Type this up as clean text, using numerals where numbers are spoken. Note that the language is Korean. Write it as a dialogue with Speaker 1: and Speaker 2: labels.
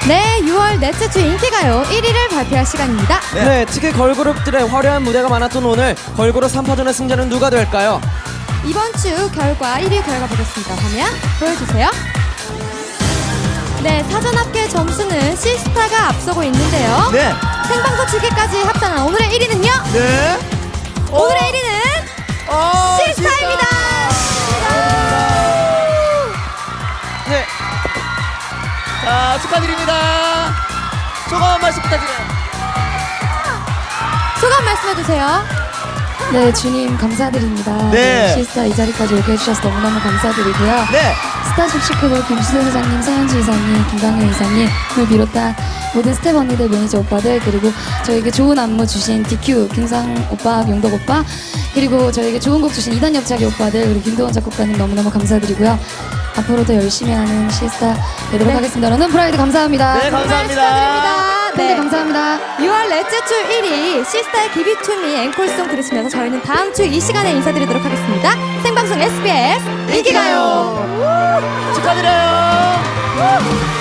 Speaker 1: 네, 6월 넷째 주 인기가요 1위를 발표할 시간입니다.
Speaker 2: 네, 특히 걸그룹들의 화려한 무대가 많았던 오늘 걸그룹 3파전의 승자는 누가 될까요?
Speaker 1: 이번 주 결과 1위 결과 보겠습니다. 화면 보여주세요. 네, 사전 합계 점수는 시스타가 앞서고 있는데요.
Speaker 3: 네.
Speaker 1: 생방송 7개까지 합산한 오늘의 1위는요?
Speaker 3: 네.
Speaker 1: 오늘의 1위는 시스타입니다.
Speaker 2: 네,
Speaker 3: 자, 축하드립니다. 소감 한 말씀 부탁드려요.
Speaker 1: 소감 말씀해주세요.
Speaker 4: 네, 주님 감사드립니다.
Speaker 3: 네.
Speaker 4: 시스타 이 자리까지 오게 해주셔서 너무너무 감사드리고요.
Speaker 3: 네.
Speaker 4: 스타쉽 시크볼 김수현 회장님, 서현주 이사님, 김강현 이사님을 비롯한 모든 스텝 언니들, 매니저 오빠들, 그리고 저에게 좋은 안무 주신 DQ, 김상 오빠, 용덕 오빠, 그리고 저에게 좋은 곡 주신 이단 옆차기 오빠들, 그리고 김도원 작곡가님 너무너무 감사드리고요. 앞으로도 열심히 하는 시스타 되도록 하겠습니다. 여러분 프라이드 감사합니다.
Speaker 3: 네, 감사합니다.
Speaker 1: 축하드립니다.
Speaker 4: 네, 감사합니다.
Speaker 1: 6월 넷째 주 1위 시스타의 기비투미 앵콜송 들으시면서 저희는 다음 주 이 시간에 인사드리도록 하겠습니다. 생방송 SBS 인기가요.
Speaker 3: 축하드려요.